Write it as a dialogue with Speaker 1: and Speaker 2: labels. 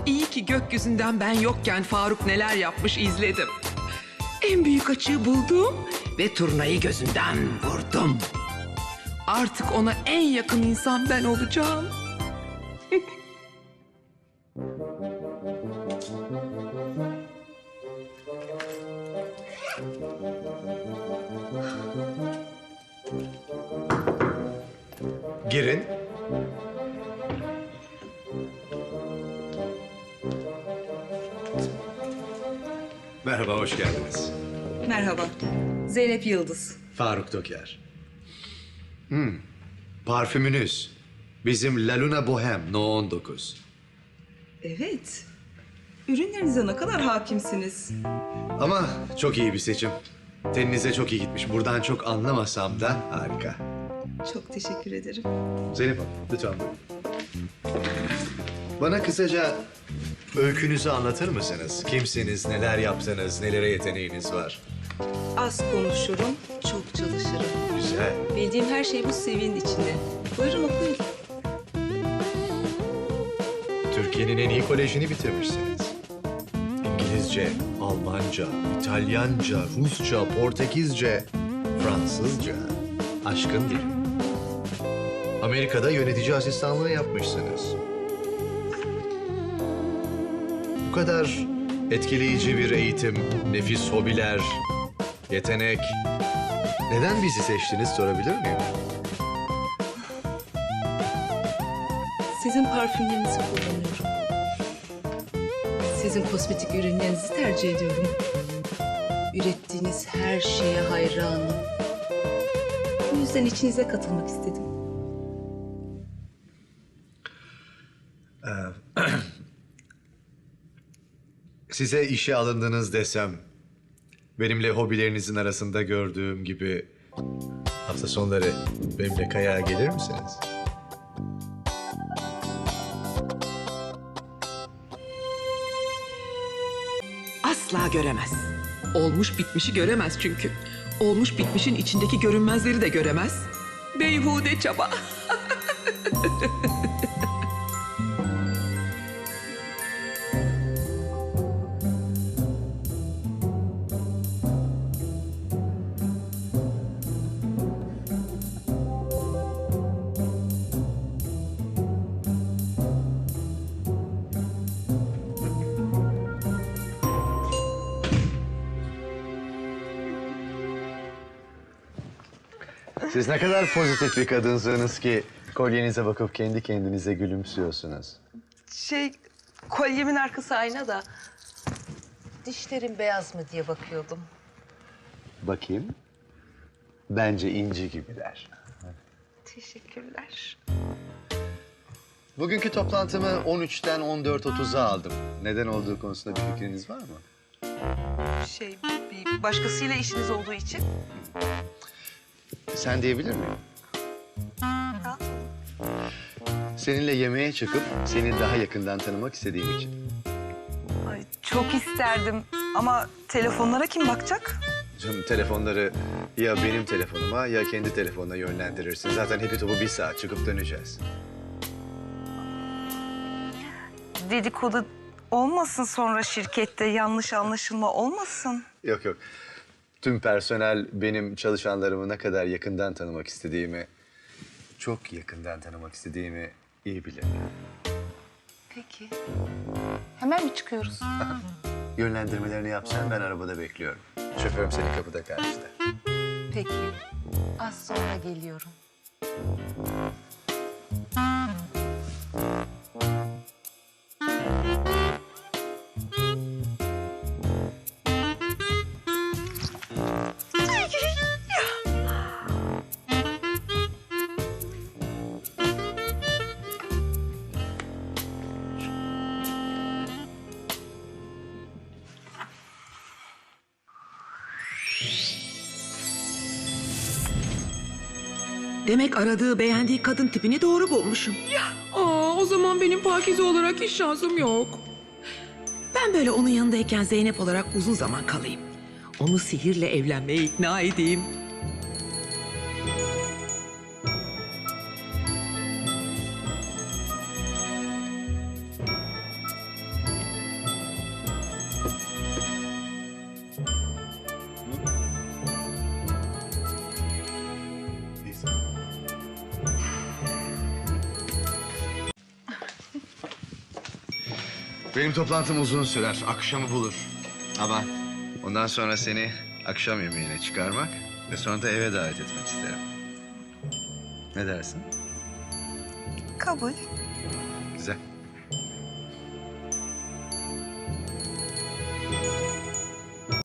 Speaker 1: İyi ki gökyüzünden ben yokken Faruk neler yapmış izledim. En büyük açığı buldum ve turnayı gözünden vurdum. Artık ona en yakın insan ben olacağım.
Speaker 2: Girin. Merhaba, hoş geldiniz.
Speaker 3: Merhaba. Zeynep Yıldız.
Speaker 2: Faruk Toker. Parfümünüz. Bizim La Luna Bohème No 19.
Speaker 3: Evet. Ürünlerinize ne kadar hakimsiniz.
Speaker 2: Ama çok iyi bir seçim. Teninize çok iyi gitmiş. Buradan çok anlamasam da harika.
Speaker 3: Çok teşekkür ederim.
Speaker 2: Zeynep Hanım, lütfen buyurun. Bana kısaca öykünüzü anlatır mısınız? Kimsiniz, neler yaptınız, nelere yeteneğiniz var?
Speaker 3: Az konuşurum, çok çalışırım.
Speaker 2: Güzel.
Speaker 3: Bildiğim her şey bu CV'nin içinde. Buyurun okuyun.
Speaker 2: Türkiye'nin en iyi kolejini bitirmişsiniz. İngilizce, Almanca, İtalyanca, Rusça, Portekizce, Fransızca. Aşkın dili. Amerika'da yönetici asistanlığı yapmışsınız. Bu kadar etkileyici bir eğitim, nefis hobiler, yetenek. Neden bizi seçtiniz sorabilir miyim?
Speaker 3: Sizin parfümlerinizi kullanıyorum. Sizin kosmetik ürünlerinizi tercih ediyorum. Ürettiğiniz her şeye hayranım. Bu yüzden içinize katılmak istedim.
Speaker 2: Size işe alındınız desem, benimle hobilerinizin arasında gördüğüm gibi hafta sonları benimle kayağa gelir misiniz?
Speaker 1: Asla göremez. Olmuş bitmişi göremez çünkü. Olmuş bitmişin içindeki görünmezleri de göremez. Beyhude çaba.
Speaker 2: Siz ne kadar pozitif bir kadınsınız ki kolyenize bakıp kendi kendinize gülümsüyorsunuz.
Speaker 3: Kolyemin arkası ayna da. Dişlerim beyaz mı diye bakıyordum.
Speaker 2: Bakayım. Bence inci gibiler.
Speaker 3: Teşekkürler.
Speaker 2: Bugünkü toplantımı 13'ten 14.30'a aldım. Neden olduğu konusunda bir fikriniz var mı?
Speaker 3: Bir başkasıyla işiniz olduğu için.
Speaker 2: Sen diyebilir miyim? Seninle yemeğe çıkıp seni daha yakından tanımak istediğim için.
Speaker 3: Ay, çok isterdim ama telefonlara kim bakacak?
Speaker 2: Canım telefonları ya benim telefonuma ya kendi telefonuna yönlendirirsin. Zaten hepi topu 1 saat çıkıp döneceğiz.
Speaker 4: Dedikodu olmasın sonra şirkette, yanlış anlaşılma olmasın.
Speaker 2: Yok yok. Tüm personel benim çalışanlarımı ne kadar yakından tanımak istediğimi, çok yakından tanımak istediğimi iyi bilir.
Speaker 4: Peki. Hemen mi çıkıyoruz?
Speaker 2: Yönlendirmelerini yapsan ben arabada bekliyorum. Şoförüm senin kapıda karşıda.
Speaker 4: Peki. Az sonra geliyorum.
Speaker 1: Demek aradığı, beğendiği kadın tipini doğru bulmuşum. O zaman benim Pakize olarak hiç şansım yok. Ben böyle onun yanındayken Zeynep olarak uzun zaman kalayım. Onu sihirle evlenmeye ikna edeyim.
Speaker 2: Benim toplantım uzun sürer. Akşamı bulur. Ama ondan sonra seni akşam yemeğine çıkarmak ve sonra da eve davet etmek isterim. Ne dersin?
Speaker 4: Kabul.
Speaker 2: Güzel.